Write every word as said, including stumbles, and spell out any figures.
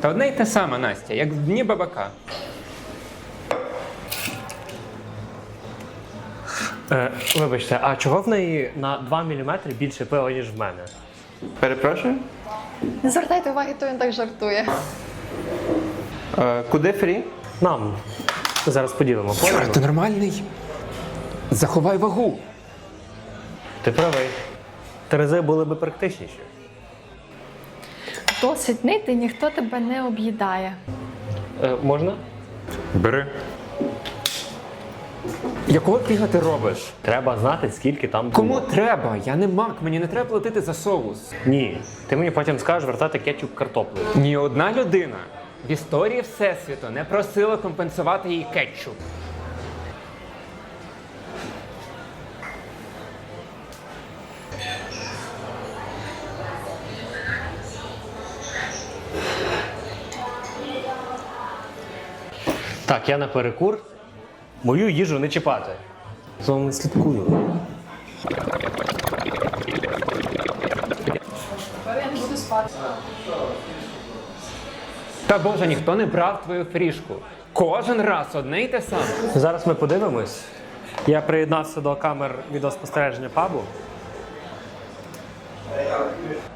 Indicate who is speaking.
Speaker 1: Та одне й те саме, Настя, як в дні бабака.
Speaker 2: Е, вибачте, а чого в неї на два міліметри більше пива, ніж в мене?
Speaker 3: Перепрошую?
Speaker 4: Не звертайте уваги, то він так жартує.
Speaker 3: Е, куди фрі?
Speaker 2: Нам. Зараз поділимо.
Speaker 1: Юра,
Speaker 2: Поняли?
Speaker 1: ти нормальний? Заховай вагу.
Speaker 2: Ти правий. Терези були би практичніші.
Speaker 4: Досить нити, ніхто тебе не об'їдає.
Speaker 2: Е, можна?
Speaker 1: Бери. Якого фіга ти робиш?
Speaker 2: Треба знати, скільки там було.
Speaker 1: Кому треба? Я не мак, мені не треба платити за соус.
Speaker 2: Ні. Ти мені потім скажеш вертати кетчуп картоплею.
Speaker 1: Ні одна людина в історії Всесвіту не просила компенсувати їй кетчуп.
Speaker 2: Так, я на перекур. Мою їжу не чіпати. За вами слідкую.
Speaker 1: Та боже, ніхто не брав твою фрішку. Кожен раз одне й те саме.
Speaker 2: Зараз ми подивимось. Я приєднався до камер відеоспостереження пабу.